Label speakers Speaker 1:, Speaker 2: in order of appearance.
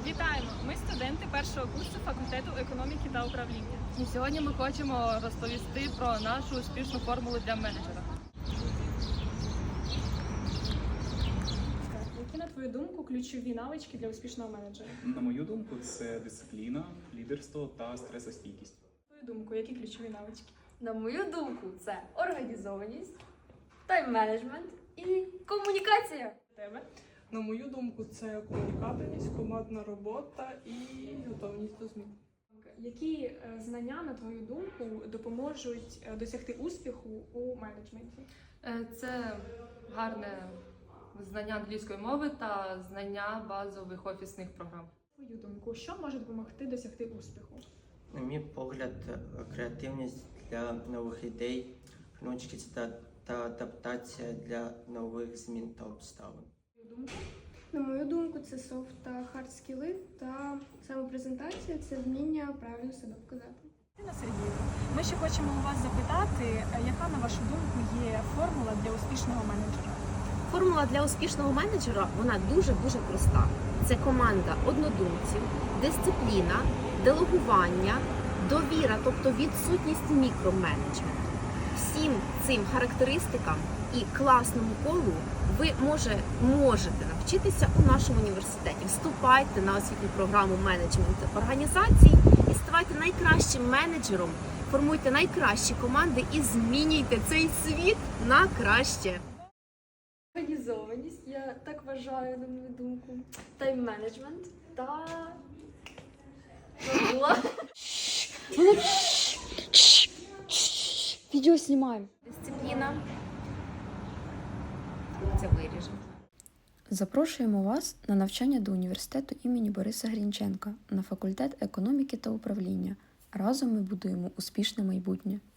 Speaker 1: Вітаємо! Ми студенти першого курсу факультету економіки та управління.
Speaker 2: І сьогодні ми хочемо розповісти про нашу успішну формулу для менеджера.
Speaker 1: Які, на твою думку, ключові навички для успішного менеджера?
Speaker 3: На мою думку, це дисципліна, лідерство та стресостійкість.
Speaker 1: На твою думку, які ключові навички?
Speaker 4: На мою думку, це організованість, тайм-менеджмент і комунікація.
Speaker 1: Тебе?
Speaker 5: На мою думку, це комунікабельність, командна робота і готовність до змін.
Speaker 1: Які знання, на твою думку, допоможуть досягти успіху у менеджменті?
Speaker 2: Це гарне знання англійської мови та знання базових офісних програм.
Speaker 1: На твою думку, що може допомогти досягти успіху?
Speaker 6: На мій погляд, креативність для нових ідей, гнучкість та адаптація для нових змін та обставин.
Speaker 1: На твою думку?
Speaker 7: На мою думку, це софт та хард скіли та самопрезентація – це вміння правильно себе показати.
Speaker 1: Ірина Сергіївна, ми ще хочемо у вас запитати, яка, на вашу думку, є формула для успішного менеджера?
Speaker 8: Формула для успішного менеджера, вона дуже-дуже проста. Це команда однодумців, дисципліна, делегування, довіра, тобто відсутність мікроменеджменту. Всім цим характеристикам і класному колу ви можете навчитися у нашому університеті. Вступайте на освітню програму менеджменту організацій і ставайте найкращим менеджером, формуйте найкращі команди і змінюйте цей світ на краще.
Speaker 4: Організованість, я так вважаю, на мою думку, тайм-менеджмент та забула.
Speaker 7: Відео знімаємо.
Speaker 8: Дисципліна. Це виріжемо.
Speaker 9: Запрошуємо вас на навчання до університету імені Бориса Грінченка на факультет економіки та управління. Разом ми будуємо успішне майбутнє.